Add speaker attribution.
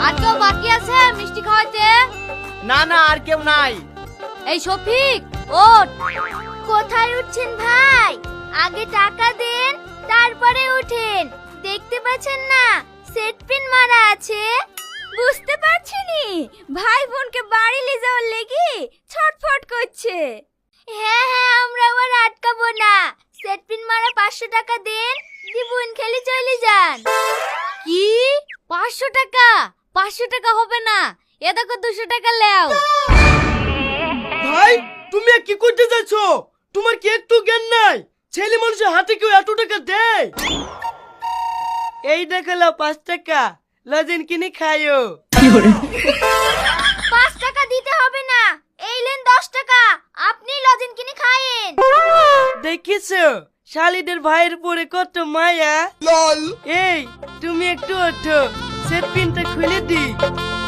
Speaker 1: আর কেউ বাকি আছে মিষ্টি খাওয়াইতে?
Speaker 2: না না, আর কেউ নাই।
Speaker 1: এই শফিক, ওঠ।
Speaker 3: কোথায় উঠছেন ভাই? আগে টাকা দেন, তারপরে উঠেন। দেখতে পাচ্ছেন না সেট পিন মারা আছে? বুঝতে পারছিনি ভাই বোনকে বাড়ি নিয়ে যাওয়ার লেগে ছটফট করছে। হ্যাঁ হ্যাঁ, আমরা আবার আটকাবো না। সেট পিন মারা 500 টাকা দেন, দিবুন খেলে চলে যান।
Speaker 1: কি 500 টাকা? 500 টাকা হবে না, এ দেখো 200 টাকা লেও।
Speaker 2: ভাই তুমি কি করতে যাচ্ছ? তোমার কি একটু জ্ঞান নাই? ছেলে মানুষের হাতে কেউ এত টাকা দেয়? এই দেখালো 5 টাকা, লজেন কিনে খাইও।
Speaker 3: 5 টাকা দিতে হবে না, এই লেন 10 টাকা, আপনি লজেন কিনে খায়েন।
Speaker 2: দেখিছো শালিদের ভাইয়ের পরে কত মায়া। এই তুমি একটু ওঠো, সেট পিনটা খুলে দি।